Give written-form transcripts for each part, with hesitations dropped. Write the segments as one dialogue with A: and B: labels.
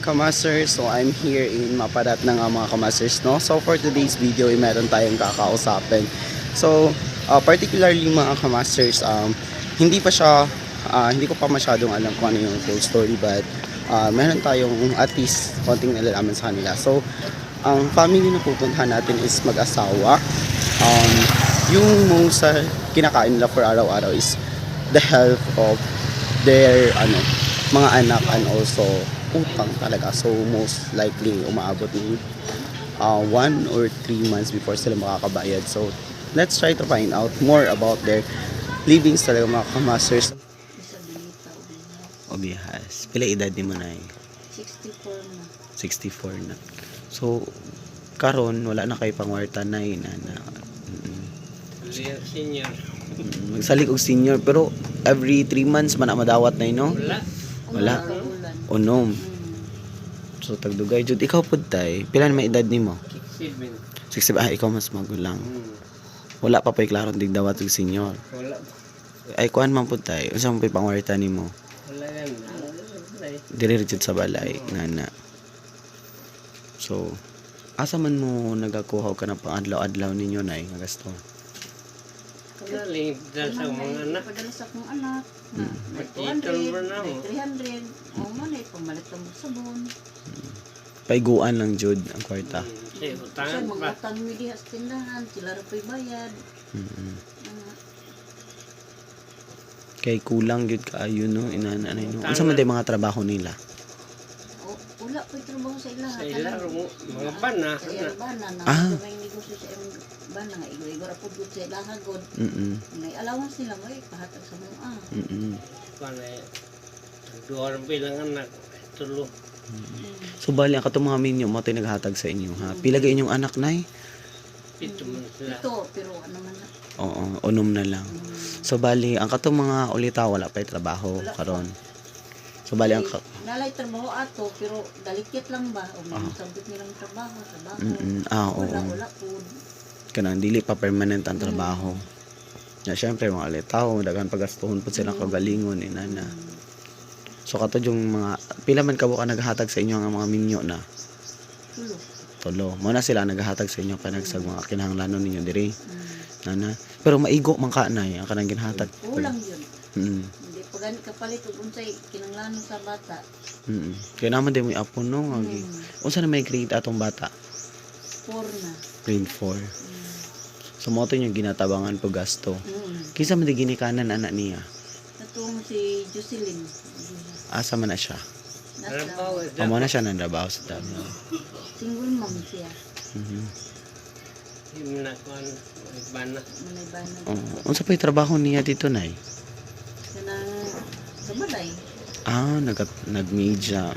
A: Kamasters. So I'm here in Maparat ng mga Kamasters, no? So for today's video, meron tayong kakausapin. So particularly mga Kamasters, hindi ko pa masyadong alam kung ano yung full story, but meron tayong at least konting nalalaman sa kanila. So ang family na pupuntahan natin is mag-asawa. Yung most kinakain nila for araw-araw is the health of their mga anak, and also utang talaga. So most likely umaabot ng 1 or 3 months before sila makakabayad. So let's try to find out more about their livings talaga mga Kamasters. Obihas. Pila edad ni mo na
B: 64 na.
A: 64 na. So karon wala na kay pangwarta na
C: Senior.
A: Magsalig og senior, pero every 3 months man na madawat na no? Wala. Unom. So tagdugay jud ikaw pud tay. Pila na may edad nimo?
C: 67.
A: 60. Ikaw mas magulang. Wala pa pay klaro dig dawat og senior.
C: Wala.
A: Ay kuan man pud tay. Unsa man pay pangwarta nimo?
C: Wala yan.
A: Diri jud sa balay ngana. So asa man mo nagakuha ka ng pang-adlaw-adlaw ninyo nay nga gasto?
C: Kanaling dahil sa mga anak.
B: Padala sa akong anak. May
C: Magtitol
B: 200,
C: mo na
B: may
C: mo.
B: 300. O man ay pamalit lang mo sabon.
A: Paiguan lang jud ang kwarta.
C: Kasi
B: Kasi
C: utangan pa.
B: mga utang mi diha sa tindahan, sila ra pay bayad.
A: Kay kulang jud kaayo no inana no. Unsa man day mga trabaho nila?
B: O wala pay trabaho sa ila.
C: Sa ila mo. Mga bana.
B: Sa ila bana na.
A: Ah.
B: May negosyo sa imong bana nga igor apod gud sa ila hagod. May allowance nila mo pahatag sa mga.
C: Panay. Duwar bilang anak. Tulo.
A: So bali ang katong mga minyo mo tay naghatag sa inyo ha. Pila gay inyong anak nay?
C: Pito man sila.
B: Ito pero ano man na.
A: Oo, unom na lang. So bali ang katong mga ulita wala pay trabaho
B: Wala pa.
A: karon. So bali ang
B: Nalay trabaho ato pero dalikit lang ba o may sabot nilang trabaho.
A: oo.
B: Wala po.
A: Kanang dili pa permanent ang trabaho. Na syempre mga ulitaw daghan pagastuhon pud sila kagalingon inana. So kato yung mga pila man kabo ka naghatag sa inyo ang mga minyo na
B: Tulo.
A: tulo. Mo na sila naghatag sa inyo panagsag mga kinahanglanon ninyo diri. Nana. Pero maigo man ka nay ang kanang ginhatag.
B: Kulang yun.
A: Mm.
B: Hindi pa gani kapalit ug unsay kinanglanon sa bata.
A: Kaya naman din mo apo no nga. Unsa na may grade atong bata?
B: 4 na.
A: Grade 4. So mo to yung ginatabangan po gasto. Kinsa man di ginikanan anak niya?
B: Natong si Jocelyn.
A: Asa man na siya?
C: Trabaho.
A: Amo na siya nandrabaho sa Davao.
B: Single mom siya.
C: Hindi na kuhan. Bana.
B: Manay bana.
A: Unsa pa yung trabaho niya dito nay?
B: Kanang sa balay.
A: Nag-media.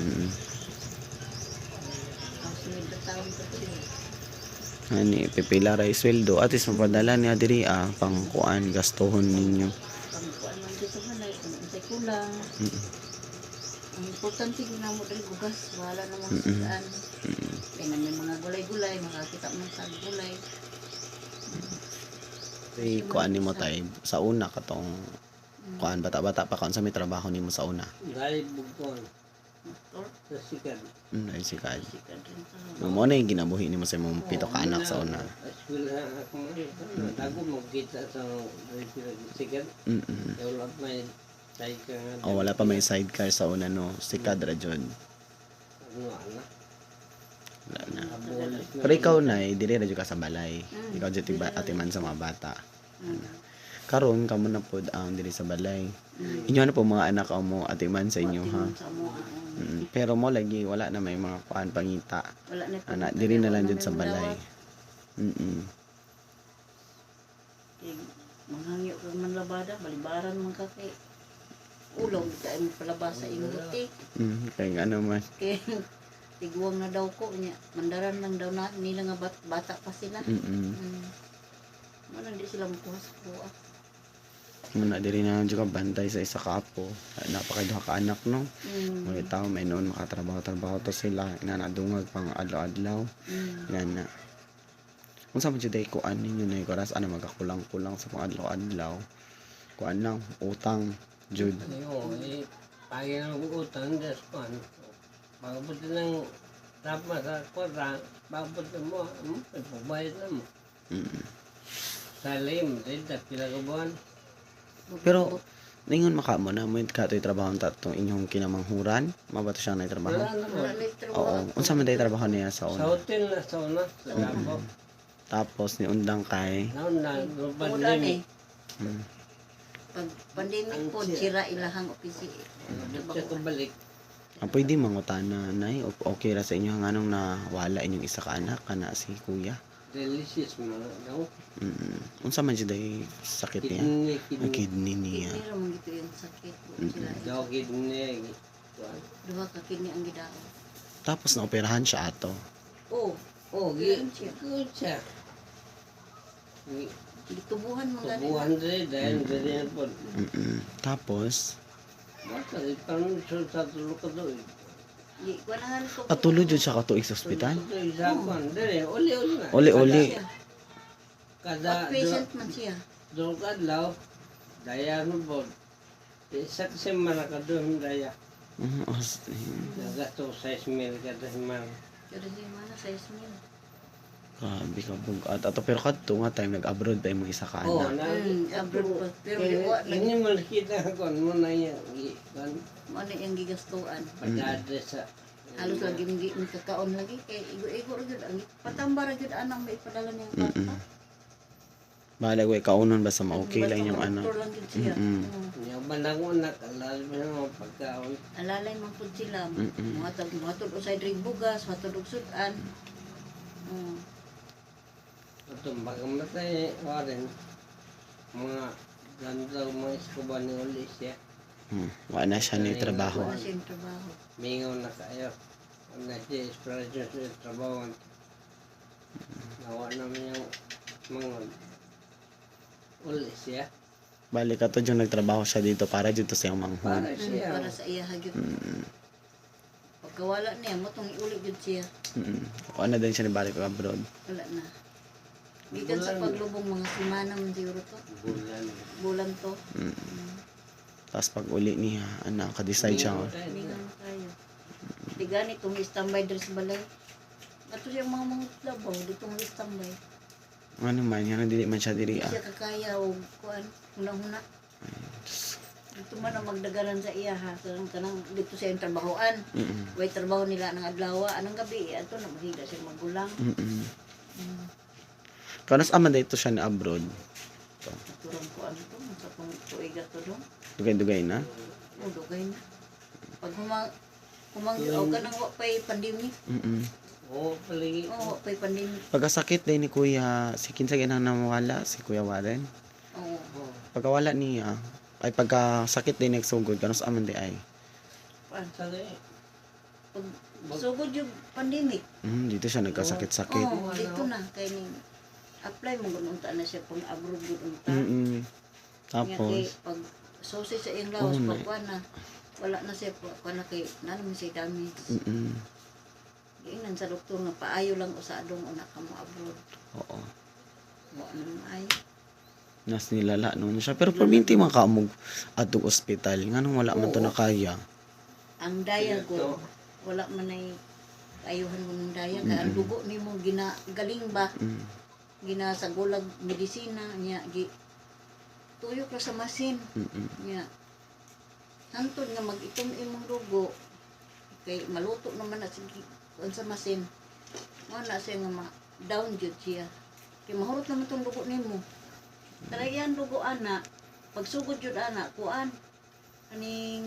B: Ang sunod na taon ko to.
A: Ani pipila ra sweldo at least mapadala niya diri pang kuan gastuhon ninyo.
B: Pangkuan man dito sa balay kung unsay kulang. Ang importante ko na mo dali bugas. Wala naman sa daan. Kaya na may mga gulay-gulay. Makakita mo sa gulay.
A: Say kuan nimo tay sa una katong kuan bata-bata pa kaon sa may trabaho nimo sa una.
C: Dahil bugkon.
B: Or
C: Sa sikat.
A: Ay si Kad.
B: sikat rin sa
A: Mo na yung ginabuhi nimo sa imong pito ka anak sa una.
C: Eskwela ako man. Ako magkita sa sikat. Wala pa may tayo ka nga.
A: Oh, wala pa may sidecar sa una no. Si Kad ra jud.
C: Ano anak.
A: Wala na.
C: Abolis na.
A: Pero ikaw na dili ra jud ka sa balay. Ikaw jud atiman sa mga bata. Karon kamo na pod ang diri sa balay. Inyo na po mga anak mo atiman sa inyo ha.
B: sa mo.
A: Pero mo lagi wala na may mga kuan pangita.
B: Wala na
A: Ana diri na lang jud sa balay.
B: Manghangyo ka man labada, balibaran man ka kay ulong tayo mo palabas sa imong butik.
A: Kaya nga naman.
B: Kay tiguang na daw ko niya. Mandaran lang daw na nila nga bata pa sila. Malang di sila makuha sa kuha.
A: Muna diri na jud ka bantay sa isa ka apo. Napakaduha ka anak no. Mga tao may noon makatrabaho to sila inanadungag pang adlaw-adlaw. Yan na. Unsa man jud ay kuan ninyo na oras ana magakulang-kulang sa pang adlaw-adlaw. Kuan lang utang jud.
C: Ayo, pagi na utang des pan. Pagpunta ng tama sa kwarta, pagpunta mo, pagbayad na mo.
A: Mm.
C: Sa lim, dahil pinagabuhan.
A: Pero ningon maka mo na mo katoy trabaho tatong inyong kinamanghuran, mabato siya na trabaho.
C: Wala naman.
B: Wala na yung trabaho.
A: Oo, unsa man day trabaho niya sa
C: Sa
A: una.
C: hotel na sa una, sa Davao.
A: Tapos ni undang kay
C: Naon na,
B: Ulan
C: pandemic.
B: eh.
A: mm,
B: Pag pandemic po,
C: Ang
B: sira ilahang opisi.
C: Siya kabalik.
A: pwede mangutana nay okay ra sa inyo nganong nawala inyong isa ka anak kana si kuya.
C: Delicious mo na. No?
A: Unsa man siya day sakit niya?
C: Kidney,
A: Ang
C: kidney.
A: kidney niya.
B: Kidney ramang gito yung sakit po. Sila
C: Daw kidney. Kuan.
B: duha ka kidney ang gidao.
A: Tapos naoperahan siya ato.
B: Oh,
C: Oh,
B: Good
C: good siya.
B: gitubuhan mo gani.
C: 200 dahil ganyan po.
A: Tapos
C: Basta, parang sa tulog ka doon.
B: Di ko na nga ko.
A: patuloy jud siya katuig sa ospital.
C: Ito isa ko. Dali, uli-uli na.
A: Uli-uli.
C: Kada
B: Patient man siya.
C: doon kadlaw, daya mo po. Isa kasi manakadun daya. Nagato 6,000 kada himang.
B: Pero siya mana sa ismil.
A: Grabe ka bugat. Ato pero kadto nga time nag-abroad pa imong isa ka
C: Oh,
A: anak.
B: Abroad pa. Pero liwa lagi.
C: Ini mo nakita ko mo na yan. Kan
B: Ano yung gigastuan.
C: padada sa
B: Halos lagi hindi kakaon lagi. Kaya igo-igo rin yun. Ang patamba rin yun anang may ipadala niya ang papa.
A: Bahala ko kaunon basta ma-okay lang yung anak.
B: Doktor lang yun siya.
A: Mm-mm.
C: niya banang unak alal mo na pagkaon.
B: Alalay man po sila. Mga usay rin bugas, matod og sudan.
C: Ito bagamatay warin mga gandaw mga eskuban ni uli siya.
A: Wala na siya ni trabaho.
B: Wala siyang trabaho.
C: Mingaw na kayo. Na siya inspiration sa trabaho. Nawa namin yung mga uli siya.
A: Balik ka to yung nagtrabaho siya dito para dito sa iyang manghon.
C: Para siya.
B: Para sa iya hagyod. Pagkawala niya, motong iulit yun siya.
A: Wala na din siya ni balik abroad.
B: Wala na. Gikan sa paglubong mga semana man siguro to.
C: Bulan.
B: Bulan to.
A: Tapos pag uli niya, ka-decide siya.
B: Hindi nga na tayo. Di gani itong standby dress balay. Ato siya mga labaw, ditong standby.
A: Ano man, yan dili man siya diri.
B: Hindi siya kakaya o kuan, huna-huna. Dito man ang magdagalan sa iya ha. Kanang dito siya yung trabahoan. Way trabaho nila ng adlaw. Anong gabi, ato na mahiga siya magulang.
A: Kanas aman dito siya ni abroad.
B: Turang ko ano to, sa kong tuiga to doon.
A: Dugay-dugay na.
B: O, dugay na. Pag humanggaw ka nang wapay pandemic.
C: Oo, palagi.
B: Oo, wapay pandemic.
A: Pagkasakit din ni Kuya, si kinsa ginang namawala, si Kuya Warren.
B: Oo.
A: Pagkawala niya, ay pagkasakit din nagsugod, kanos aman di ay.
C: Sagay.
B: Pag sugod yung pandemic.
A: Dito siya nagkasakit-sakit.
B: Oo, dito na. Kaya ni, apply mo gununta na siya pang abroad gununta.
A: Tapos,
B: Pag susi sa iyong lawas,
A: Oo,
B: pag kuwan na, wala na siya, kuwan na kay, nalang siya damage. Giingnan sa doktor nga, paayo lang usadong una ka mo abroad.
A: oo.
B: Wala naman ay.
A: Nas nilala noon siya. Pero perminti man ka mo atong ospital. Nga nung wala man to
B: Oo.
A: na kaya.
B: Ang daya ko, wala man ay ayuhan mo ng daya. Kaya ang dugo ni mo, galing ba? Gina sa gulag medisina niya, tuyok ra sa masin. Niya. Hantod nga mag-itom imong dugo. Kay maluto naman na sige sa masin. Wala siya nga down jud siya. Kay mahurot naman tong dugo nimo. Talayan dugo ana. Pagsugod jud ana kuan. Kaning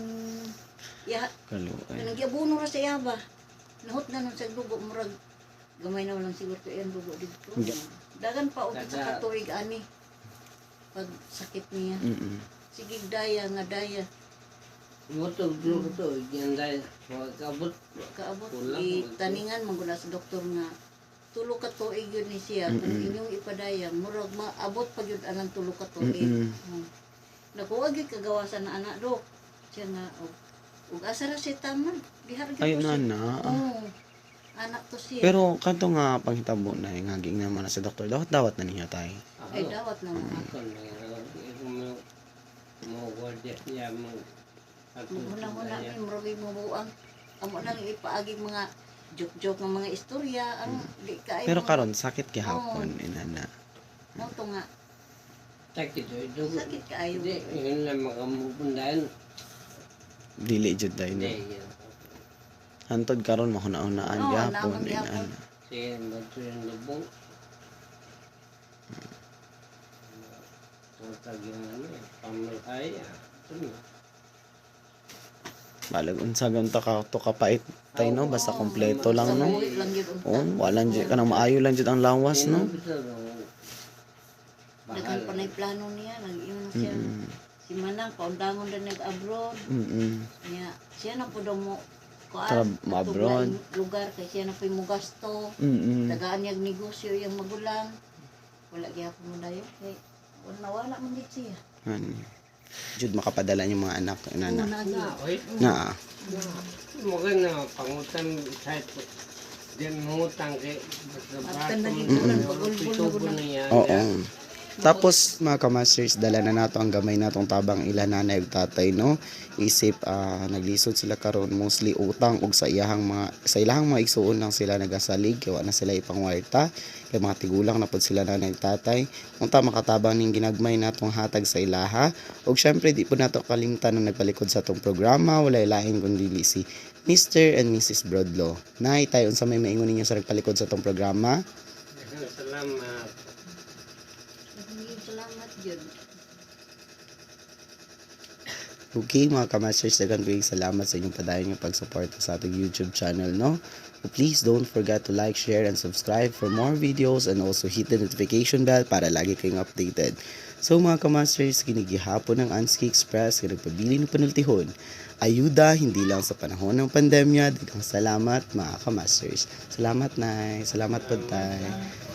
B: ya
A: Kaluay.
B: kanang giabuno ra sa yaba. Nahot na nun sa dugo murag gamay na lang siguro to yan dugo dito. Dagan pa og sa katuig ani. Pag sakit niya. Sige daya nga daya.
C: Motog dulu to, yan dahil kabut.
B: Kaabot
C: Kulang,
B: taningan maguna sa doktor nga tulo ka tuig yun ni siya kung inyong ipadaya murag maabot pa yun anang tulo ka tuig. Nakuha gyud kagawasan na anak dok. Siya nga ug asa ra siya taman. Bihar gyud.
A: Ay,
B: ko siya.
A: nana.
B: Oo. Anak to siya.
A: Pero kanto nga panghitabo na nga ging naman na si doktor. Dawat na niya tay.
B: Ay dawat na mga.
C: Ako na, mo gwardiya siya mo.
B: Muna-muna may murag mo buang amo lang ipaagi mga joke-joke ng mga istorya, ano, di kaayo.
A: Pero karon sakit gihapon inana.
B: Mo to nga,
C: Sakit ito.
B: sakit kaayo.
C: Hindi, yun lang makamupundahan.
A: Dili jud dai no.
C: Hindi, yun.
A: Hantod karon mahuna-hunaan
B: Oo,
A: gihapon
B: naman gihapon.
A: inana.
C: Sige, bato yung lubong. Tutag yung ano eh, pamalkay. Ito na.
A: Balag unsa gan ta ka to kapait tay no basta kompleto lang no.
B: Sabuhi lang yun unta.
A: Oh, wala jud kanang maayo lang jud ang lawas no.
B: Dagan pa na plano niya, nag-iwan siya. Si Manang, paundangon na nag-abroad. Niya, siya na po daw mo
A: Abroad.
B: lugar, kaya siya na po yung gasto. Tagaan niya ang negosyo yung magulang. Wala kaya po mo dayo. Kaya wala mo dit siya.
A: Jud makapadala yung mga anak inana.
B: Una niya.
C: Oy,
A: Na.
C: maganda pangutan kahit di mangutang kay
B: At ka nagigulan, pagulbul na
C: niya.
A: Oo. Tapos mga kamasters, dala na nato ang gamay natong tabang ila nanay ug tatay no. Isip naglisod sila karon mostly utang ug sa ilahang mga igsuon lang sila nagasalig kay wa na sila ipangwarta kay mga tigulang na pod sila nanay ug tatay. Unta makatabang ning ginagmay natong hatag sa ilaha ug syempre di po nato kalimtan na nagpalikod sa atong programa walay lain kundi si Mr. and Mrs. Brodlo. Nay tayo unsa may maingon ninyo sa nagpalikod sa atong programa?
C: Salamat.
B: Salamat yun.
A: Okay mga kamasters, daghang salamat sa inyong padayon yung pagsuporta sa ating YouTube channel, no? So please don't forget to like, share, and subscribe for more videos and also hit the notification bell para lagi kayong updated. So mga kamasters, kinigihapon ng Anski Express, kinagpabili ng panultihon. Ayuda, hindi lang sa panahon ng pandemya. Daghang salamat mga kamasters. Salamat, Nay. Salamat po, Tay.